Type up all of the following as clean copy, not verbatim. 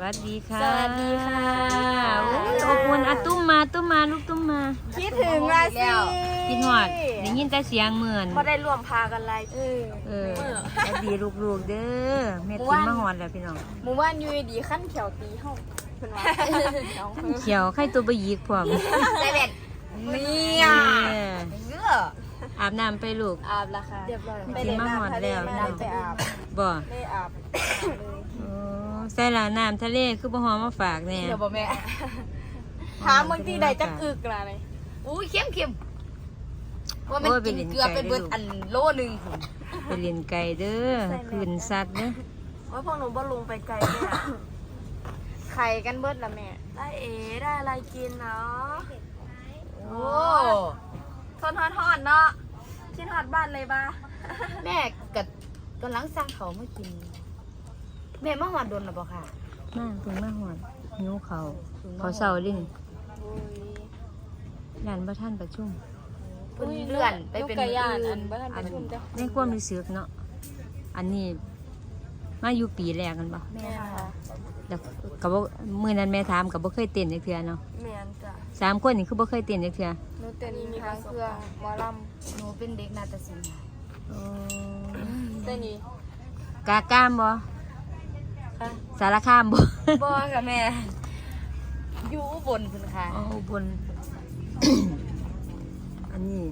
วัสดีค่ะสวัสดีค่ะอบอุ่นอะตุ้มมาลูกตุ้มมาคิดถึงละสิกินหอดได้ยินแต่เสียงเหมือนพอได้รวมพากันไรสวัสดีลูกๆเด้อแม่ติ้มมาหอดแล้วพี่น้องหมู่บ้านอยู่ดีขั้นเขียวตีเฮาเพิ่นว่าเขียวไข่ตัวบะยีกพร้อมใจเด็ดเนี่ยอาบน้ำไปลูกอาบละค่ะเรียบร้อยไปเล่นน้ำทะเลมาไปอาบบ่ได้อาบโอ้ใส่ละน้ำทะเลคือบ่หอมมาฝากแน่เดี๋ยวบ่แม่ถามบางทีได้จักอึกล่ะเลยอุ้ยเข้มว่ามันกินเกลือไปเบิดอันโลนึงไปเรียนไก่เด้อคืนสัตว์เด้อว่าพวกหนูบ่ลงไปไกลเลยอ่ะไข่กันเบิดละแม่ได้ได้อะไรกินเนาะโอ้ทนทอดเนาะคิดฮอดบ้านเลยบ้าแม่กับกำลังสร้างเขามากิน แม่มาหอดโดนหรือเปล่าค่ะมาเพิ่งมาหอดหิวเขาเศร้าดิยันบ่ท่านประชุมเพิ่นเลื่อนไปเป็นมื้ออื่นอันในความรู้สึกเนาะอันนี้มาอยู่ปีแรกกันบ่แม่ค่ะแล้วก็บ่มื้อนั้นแม่ถามก็บ่เคยเต้นจักเทื่อเนาะแมนจ้ะสามคนนี่คือบ่เคยเต้นจักเทื่อหนูเต้นทางเครื่องหมอลำหนูเป็นเด็กนาฏศิลป์โอ้เต้นนี่กากามบ่ค่ะสารคามบ่บ่ค่ะแม่ อยู่อุบลพุ่นค่ะอ๋อบน อันนี้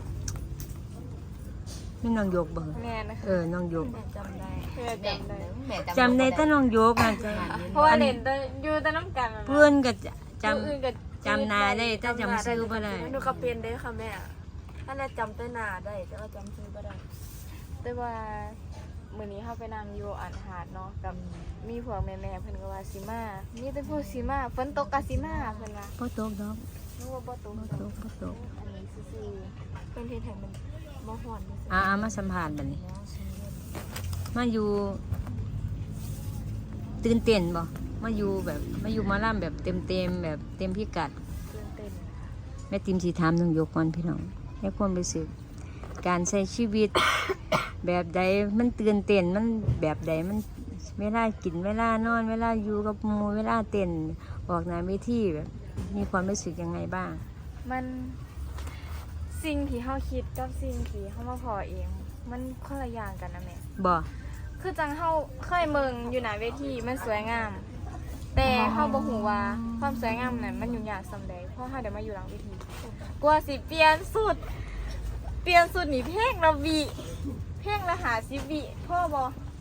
มีน้องโยกบ่แม่นะคะน้องโยกแม่จำได้แม่จำได้แม่จำได้แต่น้องโยกนะจ๊ะเพราะว่าเล่นแต่อยู่แต่น้ำกันเพื่อนก็จผู้อื่นก็ำจำหนาได้แต่จำชื่อบ่ได้หนูก็เป็นได้ค่ะแม่ถ้าแม่จำต้นหน้าได้แต่ว่าจำชื่อไม่ได้แต่ว่ามื้อนี้เฮาไปนั่งอยู่อันหาดเนาะกับมีพวกแม่ๆเพิ่นก็ว่าสิมามีแต่ผู้สิมาฝนตกก็สิมาเพิ่นว่าบ่ตกดอกหนูว่าบ่ตกบ่ตกบ่ตกอันนี้ซื่อเป็นที่แถมมันมะฮอนนี่สิมาสัมภาษณ์บัดนี้ มาอยู่ตื่นเต้นบ่มาอยู่แบบมาอยู่หมาล่ำแบบเต็มแบบเต็มพิกัดๆตื่นเต้นค่ะแม่ติมสีถามน้องโยกก่อนพี่น้องให้ความรู้สึกการใช้ชีวิต แบบใดมันตื่นเต้นมันแบบใดมันเวลากินเวลานอนเวลาอยู่กับหมู่เวลาเต้นออกหน้าเวทีแบบมีความรู้สึกยังไงบ้างมันสิ่งที่เฮาคิดกับสิ่งที่เฮามาพอเอง มันคนละอย่างกันนะแม่บ่คือจังเฮาเคยเมืองอยู่หน้าเวทีมันสวยงาม แต่เฮาบ่ฮู้ว่าความสวยงามนั้นมันยุ่งยากส่ำใดเพราะเฮาได้มาอยู่หลังเวทีกว่าสิเปลี่ยนสุดนี่เพลงละวิเพลงละ50วิพ่อบ่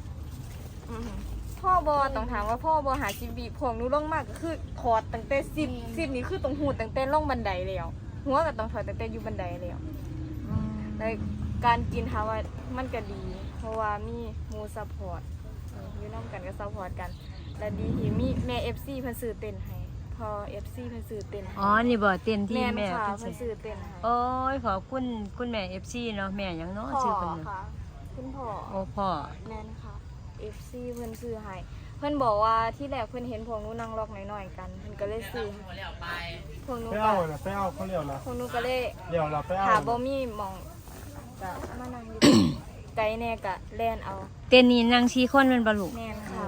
พ่อบ่ต้องถามว่าพ่อบ่50วิพวกหนูลงมากก็คือถอดตั้งแต่10นี่คือต้องหูดตั้งแต่ลงบันไดแล้วหัวก็ต้องถอดตั้งแต่อยู่บันไดแล้วแล้วการกินถามว่ามันก็ดี เพราะว่ามีหมู่ซัพพอร์ตอยู่นำกันก็ซัพพอร์ตกัน และดีที่มีแม่ FC เพิ่นซื้อเต้นให้พอ FC เพิ่นซื้อเต้นให้อ๋อนี่บ่เต้นที่แม่นแม่ค่ะเพิ่นเพิ่นสิซื้อเต้นให้โอ้ยขอบคุณแม่ FC เนาะแม่หยังเนาะพ่อชื่อเพิ่นน่ะค่ะคุณพ่อโอ้พ่อแม่นค่ะ FC เพิ่นซื้อให้เพิ่นบอกว่าที่แรกเพิ่นเห็นพวกหนูนั่งล็อกน้อยๆกันเพิ่นก็เลยซื้อพวกหนูไปก็เอาน่ะไปเอาเขาเรียวละพวกหนูก็เลยเรียวละไปเอาหาบ่มีหม่องก็มานั่งอยู่ ไกลแน่ก็แล่นเอาเต้นนี่นั่ง4คนแม่นบ่ลูกแม่นค่ะ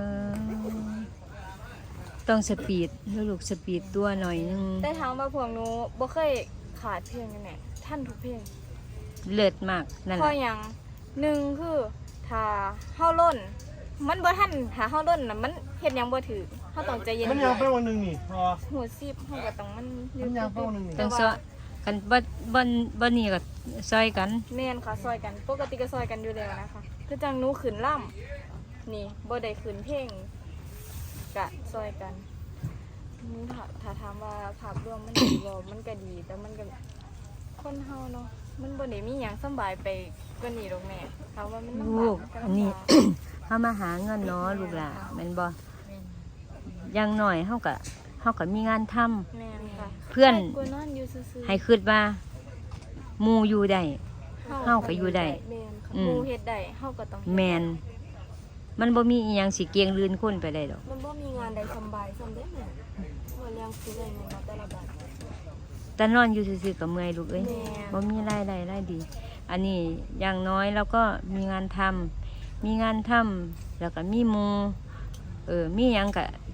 ต้องสปีดลูกสปีดตัวหน่อยนึงแต่ถามว่าพวกหนูบ่เคยขาดเพลงกันแน่ท่านทุกเพลงเลิศมากนั่นเพแหราะละหยังหนึ่งคือถ้าเฮาล้น มันบ่ทันถ้าเฮาล้นน่ะมันเฮ็ดหยังบ่ถูกเฮาต้องใจเย็นมันยังไปวันหนึ่งนี่พอหัวซีบเฮาก็ต้องมันมันยังเป้าหนึ่งนี่ต้องซอยกันบ่นี่ก็ซอยกันแม่นค่ะซอยกัน ปกติก็ซอยกันอยู่แล้วนะคะคือจังหนูขึ้นล่ำนี่บ่ได้ขึ้นเพลงก็ซอยกันนี่ถ้าถามว่าภาพรวมมันดีบ่มันก็ดี แต่มันก็คนเฮาเนาะมันบ่ได้มีหยังสำบายไปกว่านี้ดอกแม่ถามว่ามันลำบาลูกมัอันนี้ลำบากเฮามาหาเงินเนาะลูกหล่ะแม่นบ่อย่างน้อยเฮาก็มีงานทำแม่นค่ะเพื่อนให้กูนอนอยู่ซื่อๆให้คิดว่าหมู่อยู่ได้ เฮาก็อยู่ได้แม่นค่ะอืมหมู่เฮ็ดได้เฮาก็ต้องเฮ็ดแม่นมันบ่มีอีหยังสิเกียงลืนคนไปได้ดอกมันบ่มีงานใดสำบายสำได้แม่ว่าเลี้ยงซื้อได้เงินมาแต่ละบาทแต่นอนอยู่ซื่อๆก็เมื่อยลูกเอ้ยแม่บ่มีรายได้รายดี อันนี้อย่างน้อยเราก็มีงานทำแล้วก็มีหมู่มีหยังก็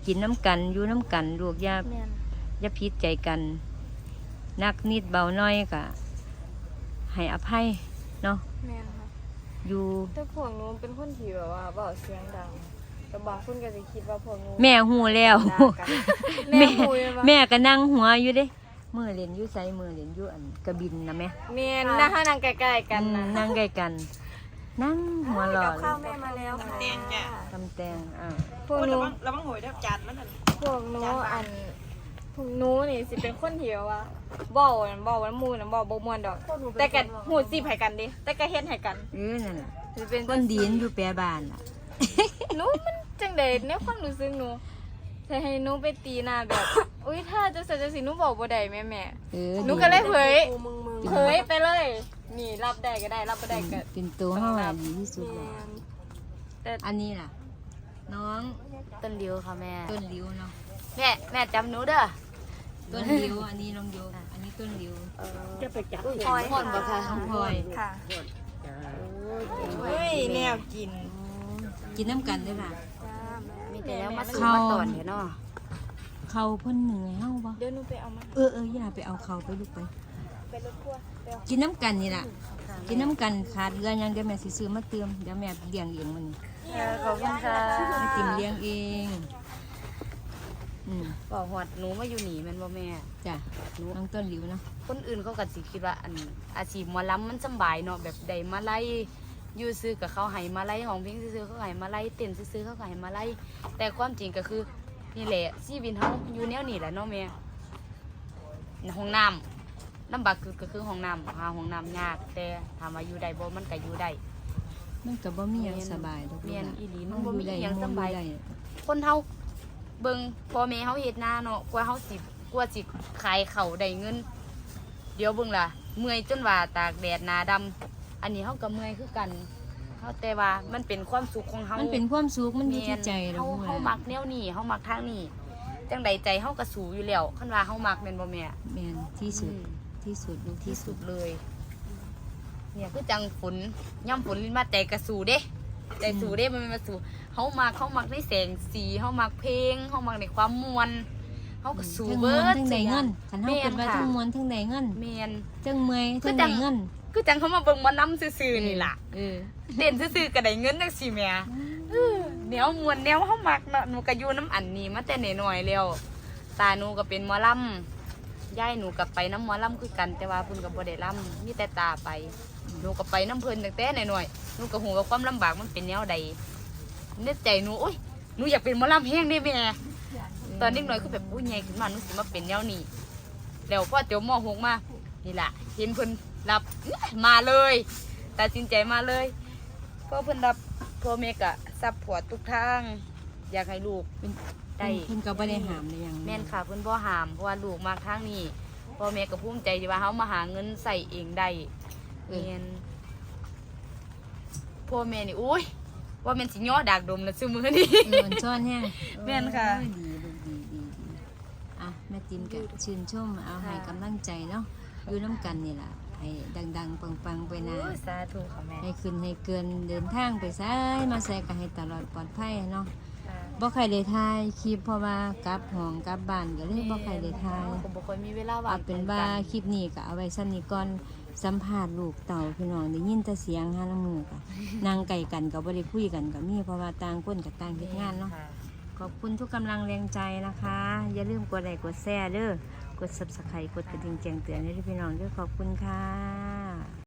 กินน้ำกันอยู่น้ำกันลูกอย่าแม่นอย่าผิดใจกันนักนิดเบาน้อยก็ให้อภัยเนาะแม่นค่ะอยู่แต่พวกหนูเป็นคนที่แบบว่าเว้าเสียงดังแต่บางคนก็จะคิดว่าพวกหนูแม่หูแล้วด่ากันแม่คุยว่าแม่ก็นั่งหัวอยู่เด้มือเล่นอยู่ไสมือเล่นอยู่อันกระบินนะแม่แม่นนะถ้านั่งใกล้ๆกันนะนั่งใกล้กัน นั่งหัวหล่อกับข้าวแม่มาแล้วค่ะทำแตงพวกโอ้ยหนูระวังหวยเด้อจานมันนั่นพวกหนูอันพวกหนูนี่สิเป็นคนที่ว่าเว้านั่นเว้าวันมูนั่นเว้าบ่ม่วนดอก แต่ก็หูสิบให้กันดิแต่ก็เฮ็ดให้กันนั่นน่ะสิเป็นคนดีนอยู่แปรบ้านล่ะหนูมันจังได๋ในความรู้สึกหนูถ้าให้หนูไปตีหน้าแบบ อุ้ยถ้าจะเสร็จจังซี่หนูบอกบ่ได้แม่ หนูก็เลยเผยมึงเผยไปเลย นี่รับได้ก็ได้รับบ่ได้ก็เป็นตัวเฮาอะดีที่สุดแล้วแต่อันนี้ล่ะ น้องต้นริ้วค่ะแม่ต้นริ้วเนาะแม่จำหนูเด้อต้นริ้วอันนี้น้องโยอันนี้ต้นริ้วจะไปจับพลอยพ่นบ่ค่ะน้องพลอยค่ะเฮ้ยแนวกินกินน้ำกันด้วยล่ะจ้าแม่มีแต่แล้วมาเขาสู่มาตอนเถอะเนาะเขาเพิ่นเหนื่อยเฮาบ่เดี๋ยวหนูไปเอามาอย่าไปเอาเขาไปลูกไปไปรถทัวร์ไปเอากินน้ำกันนี่ล่ะ กินน้ำกันขาดเรือยังเดี๋ยวแม่สิซื้อมาเติมเดี๋ยวแม่เลี้ยงเองมันขอบคุณค่ะแม่ติมเลี้ยงเองบอกหอดหนูมาอยู่หนีแมันบ่แม่จ้ะน้องต้นริ้วเนาะคนอื่นเขาก็สิคิดว่าอันอาชีพหมอลำมันสำบายเนาะแบบใดมาไล่อยู่ซื้อกับเขาให้มาไล่ของเพลงซื้อๆเขาให้มาไล่เต้นซื้อๆเขาก็ให้มาไล่แต่ความจริงก็คือนี่แหละชีวิตเฮาอยู่แนวนี้แหละเนาะแม่ห้องน้ำลำบากก็คือห้องน้ำหาห้องน้ำยาก แต่ถามว่าอยู่ได้บ่มันก็อยู่ได้มันก็บ่มีหยังสบายดอกเมียนอีหลีมันมับ่นมีอยู่อได้หยังมันสำบายอยู่ได้คนเฮาเบิ่งพ่อแม่เฮาเฮ็ดนาเนาะกว่าเฮาสิกว่าสิขายข้าวได้เงิน เดี๋ยวเบิ่งล่ะเมื่อยจนว่าตากแดดหน้าดำอันนี้เฮาก็เมื่อยคือกันเฮาแต่ว่ามันเป็นความสุขของเฮามันเป็นความสุขมันอยู่แม่ที่นใจเราเฮามักแนวนี้เฮามักทางนี้จังใดใจเฮาก็สู้อยู่แล้วคันว่าเฮามักแม่นบ่แม่แม่นที่สุดอืมที่สุดลูกที่ที่สุสุดดเลย เนี่ยคือจังฝนย่ำฝนลิ้นมาใจกระสูเด้ใจสูเด้มันเป็นมาสู่เขามักในแสงสีเขามักเพลงเขามักในความมวลเขาก็สูทั้งมเบิวนดทั้งได้เงินคันเฮาแม่เกิดว่าค่ะทั้งมวนทั้งได้เงินเมียนจังเมื่อยคือทั้งจัได้งเงินคือจังเขามาเบิ่งหมาล้ำซื่อๆนี่ล่ะเออเต้นซื่อๆก็ได้เงินจังสิแม่แนวมวลแนวเขามักเนาะหนูก็อยู่น้ำอันนี้มาแต่น้อยๆแล้วตาหนูก็เป็นหมอลำยายหนูก็ไปน้ำหมอลำคือกัน แต่ว่าเพิ่นก็บ่ได้ลำมีแต่ตาไปหนูก็ไปน้ำเพิ่นตั้งแต่น้อยๆหนูก็หูว่าความลำบากมันเป็นแนวใดในใจหนูโอ๊ยหนูอยากเป็นหมอลำแห้งได้แม่ตอนเด็กน้อยคือแบบอุ้ยใหญ่ขึ้นมาหนูสิมาเป็นแนวนี้แล้วพอเดี๋ยวม.6มานี่ล่ะเห็นเพิ่นรับมาเลยตัดสินใจมาเลยเพราะเพิ่นรับพ่อแม่ก็ซัพพอร์ตทุกทางอยากให้ลูกเป็นได้เพิ่นก็บ่ได้ห้ามได้หยังแม่นค่ะเพิ่นบ่ห้ามเพราะว่าลูกมากทางนี้พ่อแม่ก็ภูมิใจที่ว่าเฮามาหาเงินใส่เองได้แม่นพ่อแม่นี่อุ้ยว่าแม่นสิย่อดากดมแล้วซุมื้อนี้มันซ่อนแห้งแม่นค่ะโอ้ยดีลูกดีอ่ะแม่ติมก็ชื่นชมเอาให้กำลังใจเนาะอยู่น้ำกันนี่ล่ะให้ดังๆปังๆไปนะโอ้ยสาธุค่ะแม่ให้ขึ้นให้เกินเดินทางไปซ้ายมาใส่ก็ให้ตลอดปลอดภัยเนาะค่ะบ่ใครได้ทายคลิปเพราะว่ากลับห้องกลับบ้านก็เลยบ่ใครได้ทายผมบ่ค่อยมีเวลาว่างเอาเป็นว่าคลิปนี้ก็เอาไว้ซ้ำนี้ก่อนสัมภาษณ์ลูกเต่าพี่น้องได้ยินแต่เสียงหาละมือก็นั่งไกลกันก็บ่ได้คุยกันก็มีเพราะว่าต่างคนก็ต่างเฮ็ดงานเนาะค่ะขอบคุณทุกกำลังแรงใจนะคะ อย่าลืมกดไลค์กดแชร์เด้อกด Subscribe กดกระดิ่งแจ้งเตือนให้ด้วยพี่น้องด้วยขอบคุณค่ะ